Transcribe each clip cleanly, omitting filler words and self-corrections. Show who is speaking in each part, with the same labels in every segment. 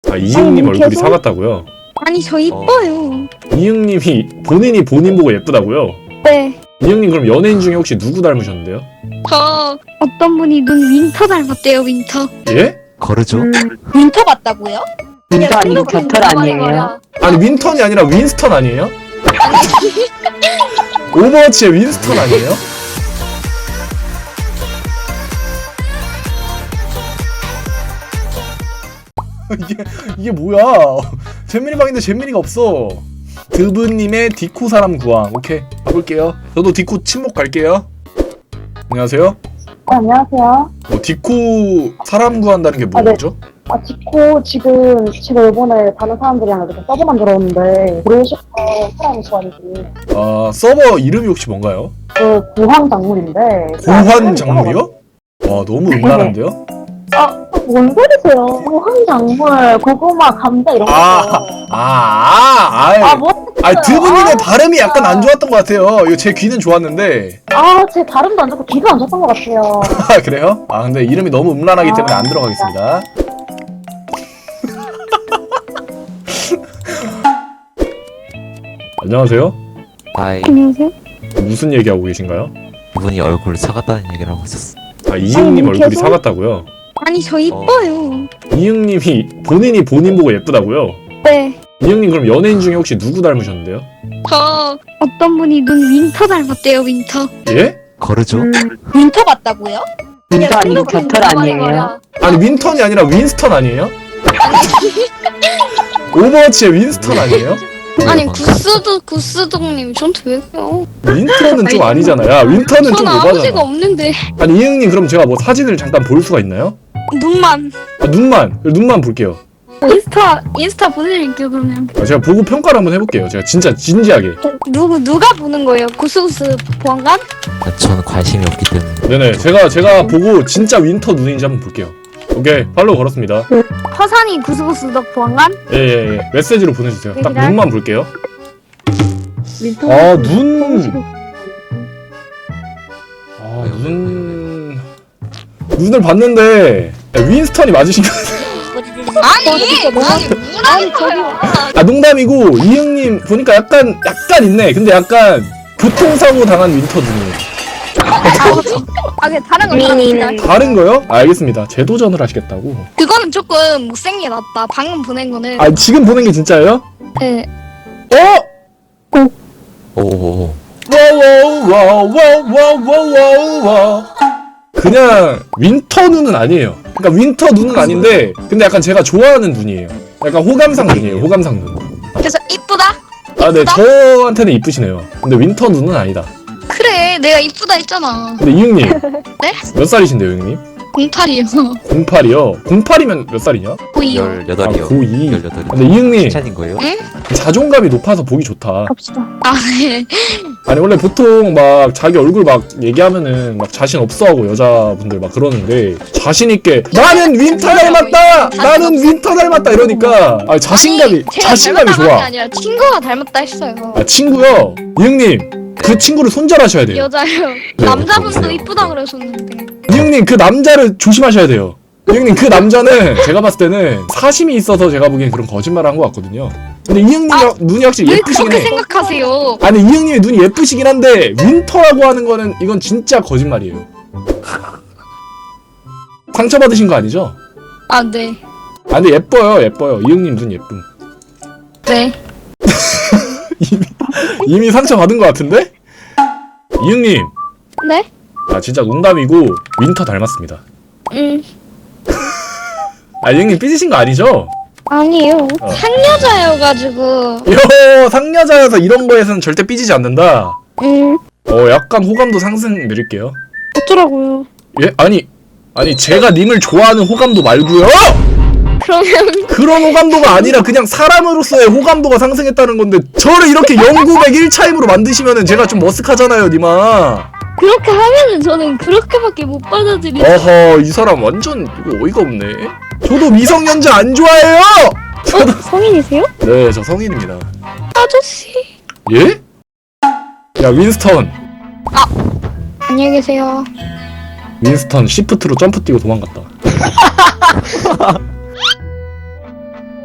Speaker 1: 아, 이응님 얼굴이 사갔다고요?
Speaker 2: 아니 저 이뻐요.
Speaker 1: 이응님이 본인이 본인 보고 예쁘다고요?
Speaker 2: 네.
Speaker 1: 이응님 그럼 연예인 중에 혹시 누구 닮으셨는데요?
Speaker 2: 저 어떤 분이 눈 윈터 닮았대요. 윈터.
Speaker 1: 예?
Speaker 3: 거르죠?
Speaker 2: 윈터 같다고요?
Speaker 4: 윈터 아니고 겨털 아니에요?
Speaker 1: 아니 윈턴이 아니라 윈스턴 아니에요? 오버워치의 윈스턴 아니에요? 이게 뭐야? 잼민이방인데 잼민이가 없어. 드브님의 디코 사람 구함. 오케이 가볼게요. 저도 디코 침묵 갈게요. 안녕하세요.
Speaker 4: 안녕하세요.
Speaker 1: 디코 사람 구한다는 게
Speaker 4: 아, 네.
Speaker 1: 뭐죠?
Speaker 4: 지코 지금 이번에 다른 사람들이랑 이렇게 서버 만들었는데 모르시고 사람이 좋아하는지
Speaker 1: 서버 이름이 혹시 뭔가요?
Speaker 4: 그 고황 작물인데
Speaker 1: 고환 작물이요? 와 너무 음란한데요?
Speaker 4: 뭔 소리세요? 고황 작물, 고구마, 감자 이런 거.
Speaker 1: 드브님의 발음이 약간 안 좋았던 것 같아요. 이거 제 귀는 좋았는데.
Speaker 4: 제 발음도 안 좋고 귀도 안 좋았던 것 같아요.
Speaker 1: 그래요? 근데 이름이 너무 음란하기 때문에 안 들어가겠습니다. 안녕하세요.
Speaker 3: 아이,
Speaker 2: 안녕하세요.
Speaker 1: 무슨 얘기하고 계신가요?
Speaker 3: 이분이 얼굴 사갔다는 얘기를 하고 있었어.
Speaker 1: 이응님 얼굴이
Speaker 2: 계속-
Speaker 1: 사갔다고요?
Speaker 2: 아니 저 이뻐요.
Speaker 1: 이응님이 본인이 본인 보고 예쁘다고요?
Speaker 2: 네.
Speaker 1: 이응님 그럼 연예인 중에 혹시 누구 닮으셨는데요?
Speaker 2: 저 어떤 분이 눈 윈터 닮았대요. 윈터.
Speaker 1: 예?
Speaker 3: 거르죠?
Speaker 2: 윈터 같다고요?
Speaker 4: 윈터 아니고 겨털 아니에요?
Speaker 1: 아니 윈턴이 아니라 윈스턴 아니에요? 오버워치의 윈스턴 아니에요?
Speaker 2: 아니 구스동님 저한테 왜 그래요?
Speaker 1: 윈턴은 좀 아니잖아. 야 윈턴은 좀
Speaker 2: 전 아버지가
Speaker 1: 오바잖아.
Speaker 2: 없는데.
Speaker 1: 아니 이응님 그럼 제가 뭐 사진을 잠깐 볼 수가 있나요?
Speaker 2: 눈만.
Speaker 1: 눈만 볼게요.
Speaker 2: 인스타 보내드릴게요 그러면.
Speaker 1: 제가 보고 평가를 한번 해볼게요. 제가 진짜 진지하게.
Speaker 2: 누가 보는 거예요? 구스구스 보안관?
Speaker 3: 저는 관심이 없기 때문에.
Speaker 1: 네네 제가 보고 진짜 윈터 눈인지 한번 볼게요. 오케이 팔로우 걸었습니다.
Speaker 2: 허산이 구스구스 덕 보안관?
Speaker 1: 예. 메시지로 보내주세요. 딱
Speaker 2: 얘기를
Speaker 1: 눈만 볼게요.
Speaker 4: 윈터
Speaker 1: 눈을 봤는데 윈스턴이 맞으신 거 같아요.
Speaker 2: 아니 저기
Speaker 1: 농담이고 이응님 보니까 약간 있네. 근데 약간 교통사고 당한 윈터 눈이에요.
Speaker 2: 그냥 다른 거 있습니다.
Speaker 1: 다른 거요? 알겠습니다. 재도전을 하시겠다고.
Speaker 2: 그거는 조금 못생겨 놨다. 방금 보낸 거는.
Speaker 1: 지금 보낸 게 진짜예요?
Speaker 2: 네.
Speaker 3: 오오오.
Speaker 1: 와와와와와와와와 그냥 윈터 눈은 아니에요. 그러니까 윈터 눈은 아닌데 근데 약간 제가 좋아하는 눈이에요. 약간 호감상 눈이에요. 호감상 눈.
Speaker 2: 그래서 이쁘다?
Speaker 1: 네 저한테는 이쁘시네요. 근데 윈터 눈은 아니다.
Speaker 2: 그래 내가 이쁘다 했잖아.
Speaker 1: 근데 이응님
Speaker 2: 네?
Speaker 1: 몇 살이신데요, 형님?
Speaker 2: 08이요.
Speaker 1: 08이요? 08이면 몇 살이냐?
Speaker 2: 보이요.
Speaker 3: 18이요.
Speaker 1: 고2.
Speaker 3: 18.
Speaker 1: 근데 이응님
Speaker 3: 칭찬인 거예요?
Speaker 1: 자존감이 높아서 보기 좋다.
Speaker 2: 갑시다. 네.
Speaker 1: 아니 원래 보통 막 자기 얼굴 막 얘기하면은 막 자신 없어하고 여자분들 막 그러는데 자신 있게 나는 윈터 닮았다. 나는 윈터 닮았다 이러니까 자신감이
Speaker 2: 제가 닮았다고 한 게
Speaker 1: 좋아.
Speaker 2: 아니라 친구가 닮았다 했어요.
Speaker 1: 친구요. 이응님 그 친구를 손절하셔야 돼요.
Speaker 2: 여자요.
Speaker 1: 네,
Speaker 2: 남자분도
Speaker 3: 보세요.
Speaker 2: 이쁘다 그러셨는데.
Speaker 1: 이응님 그 남자를 조심하셔야 돼요. 이응님 그 남자는 제가 봤을 때는 사심이 있어서 제가 보기엔 그런 거짓말을 한 것 같거든요. 근데 이응님 눈이 확실히
Speaker 2: 왜
Speaker 1: 예쁘시긴
Speaker 2: 그렇게
Speaker 1: 해.
Speaker 2: 생각하세요?
Speaker 1: 아니 이응님의 눈이 예쁘시긴 한데 윈터라고 하는 거는 이건 진짜 거짓말이에요. 상처받으신 거 아니죠?
Speaker 2: 아 네.
Speaker 1: 근데 예뻐요. 이응님 눈 예쁨.
Speaker 2: 네.
Speaker 1: 이미 상처받은 거 같은데? 이응님
Speaker 2: 네?
Speaker 1: 진짜 농담이고 윈터 닮았습니다. 이응님 삐지신 거 아니죠?
Speaker 2: 아니에요. 상여자여가지고.
Speaker 1: 상여자여서 이런 거에서는 절대 삐지지 않는다. 약간 호감도 상승 드릴게요.
Speaker 2: 어쩌라고요?
Speaker 1: 예? 아니 제가 님을 좋아하는 호감도 말고요.
Speaker 2: 그러면
Speaker 1: 그런 호감도가 아니라 그냥 사람으로서의 호감도가 상승했다는 건데 저를 이렇게 0900 1차임으로 만드시면은 제가 좀 머쓱하잖아요, 님아.
Speaker 2: 그렇게 하면은 저는 그렇게밖에 못 받아들이죠.
Speaker 1: 어허, 이 사람 완전 이거 어이가 없네. 저도 미성년자 안 좋아해요.
Speaker 2: 성인이세요?
Speaker 1: 네, 저 성인입니다.
Speaker 2: 아저씨.
Speaker 1: 예? 야, 윈스턴.
Speaker 2: 안녕히 계세요.
Speaker 1: 윈스턴 시프트로 점프 뛰고 도망갔다.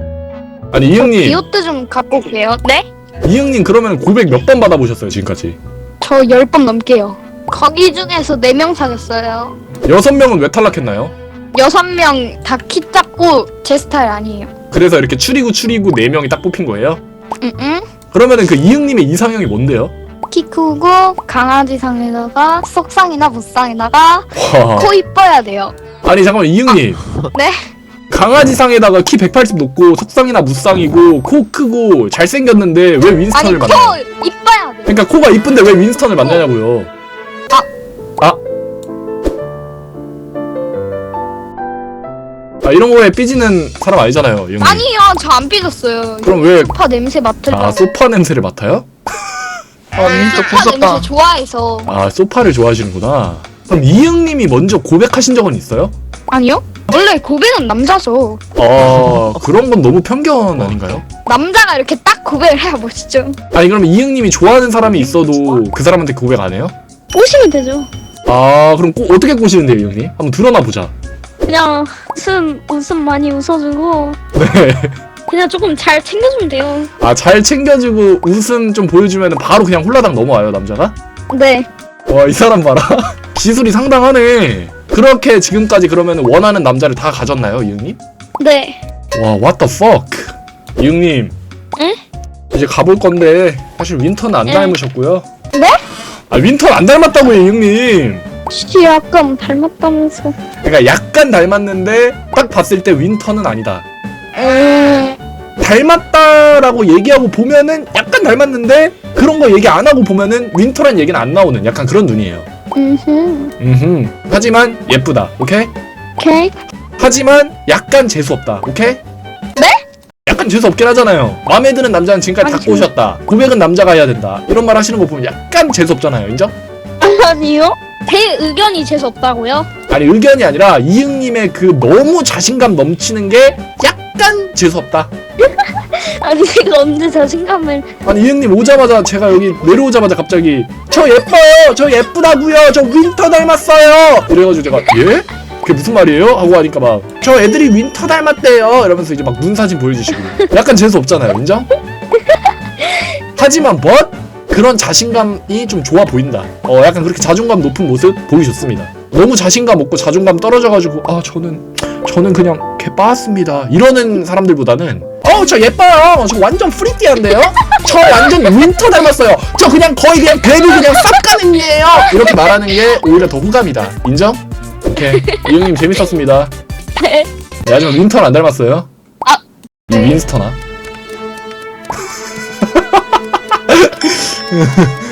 Speaker 1: 아니 이응님,
Speaker 2: 비오트 좀 갖고 올게요. 네?
Speaker 1: 이응님 그러면 고백 몇 번 받아보셨어요 지금까지?
Speaker 2: 저 10번 넘게요. 거기 중에서 4명 사귀었어요.
Speaker 1: 6명은 왜 탈락했나요?
Speaker 2: 6명 다 키 작고 제 스타일 아니에요.
Speaker 1: 그래서 이렇게 추리고 4명이 딱 뽑힌 거예요?
Speaker 2: 응?
Speaker 1: 그러면은 그 이응님의 이상형이 뭔데요?
Speaker 2: 키 크고 강아지 상에다가 속상이나 무쌍에다가
Speaker 1: 와.
Speaker 2: 코 이뻐야 돼요.
Speaker 1: 아니 잠깐만 이응님.
Speaker 2: 네?
Speaker 1: 강아지상에다가 키 180 높고 속상이나 무쌍이고 코 크고 잘생겼는데 왜
Speaker 2: 아니
Speaker 1: 윈스턴을
Speaker 2: 코
Speaker 1: 만나요?
Speaker 2: 이뻐야 돼.
Speaker 1: 그러니까 코가 이쁜데 왜 윈스턴을 만나냐고요? 이런 거에 삐지는 사람 아니잖아요, 이형님.
Speaker 2: 아니요, 저 안 삐졌어요.
Speaker 1: 그럼 왜
Speaker 2: 소파 냄새 맡을까?
Speaker 1: 소파 냄새를 맡아요?
Speaker 2: 소파 냄새 좋아해서.
Speaker 1: 소파를 좋아하시는구나. 그럼 이응님이 먼저 고백하신 적은 있어요?
Speaker 2: 아니요? 원래 고백은 남자죠.
Speaker 1: 그런 건 너무 편견 아닌가요?
Speaker 2: 남자가 이렇게 딱 고백을 해야 멋있죠.
Speaker 1: 아니 그럼 이응님이 좋아하는 사람이 있어도 그 사람한테 고백 안 해요?
Speaker 2: 꼬시면 되죠.
Speaker 1: 그럼 어떻게 꼬시는데요, 이응님? 한번 드러나 보자.
Speaker 2: 그냥 웃음 많이 웃어주고
Speaker 1: 네.
Speaker 2: 그냥 조금 잘 챙겨주면 돼요.
Speaker 1: 잘 챙겨주고 웃음 좀 보여주면 바로 그냥 홀라당 넘어와요, 남자가?
Speaker 2: 네.
Speaker 1: 와, 이 사람 봐라. 기술이 상당하네. 그렇게 지금까지 그러면 원하는 남자를 다 가졌나요, 이응님?
Speaker 2: 네.
Speaker 1: 와, what the fuck. 이응님.
Speaker 2: 응?
Speaker 1: 이제 가볼 건데 사실 윈터는 안
Speaker 2: 응.
Speaker 1: 닮으셨고요.
Speaker 2: 네?
Speaker 1: 윈터는 안 닮았다고요, 이응님.
Speaker 2: 약간 닮았다면서.
Speaker 1: 그러니까 약간 닮았는데 딱 봤을 때 윈터는 아니다.
Speaker 2: 음.
Speaker 1: 닮았다라고 얘기하고 보면은 약간 닮았는데 그런 거 얘기 안 하고 보면은 윈터란 얘기는 안 나오는 약간 그런 눈이에요. 하지만 예쁘다. 오케이?
Speaker 2: 오케이.
Speaker 1: 하지만 약간 재수 없다. 오케이?
Speaker 2: 네?
Speaker 1: 약간 재수 없긴 하잖아요. 마음에 드는 남자는 지금까지 다
Speaker 2: 아니,
Speaker 1: 꼬셨다. 고백은 남자가 해야 된다. 이런 말 하시는 거 보면 약간 재수 없잖아요. 인정?
Speaker 2: 아니요? 제 의견이 재수 없다고요?
Speaker 1: 아니 의견이 아니라 이응님의 그 너무 자신감 넘치는 게 약간 재수 없다.
Speaker 2: 아니 제가 언제 자신감을.
Speaker 1: 아니 이응님 오자마자 제가 여기 내려오자마자 갑자기 저 예뻐요, 저 예쁘다고요, 저 윈터 닮았어요 이래가지고 제가 예? 그게 무슨 말이에요? 하고 하니까 막 저 애들이 윈터 닮았대요 이러면서 이제 막 눈 사진 보여주시고 약간 재수 없잖아요, 인정? 하지만 그런 자신감이 좀 좋아 보인다. 약간 그렇게 자존감 높은 모습 보기 좋습니다. 너무 자신감 없고 자존감 떨어져가지고 저는 그냥 개 빠았습니다 이러는 사람들보다는 저 예뻐요, 저 완전 프리티한데요, 저 완전 윈터 닮았어요, 저 그냥 거의 그냥 베비 그냥 싹 가는 애예요 이렇게 말하는 게 오히려 더 호감이다. 인정? 오케이. 이형님 재밌었습니다.
Speaker 2: 네.
Speaker 1: 하지만 윈터는 안 닮았어요. 이
Speaker 2: 네.
Speaker 1: 윈스터나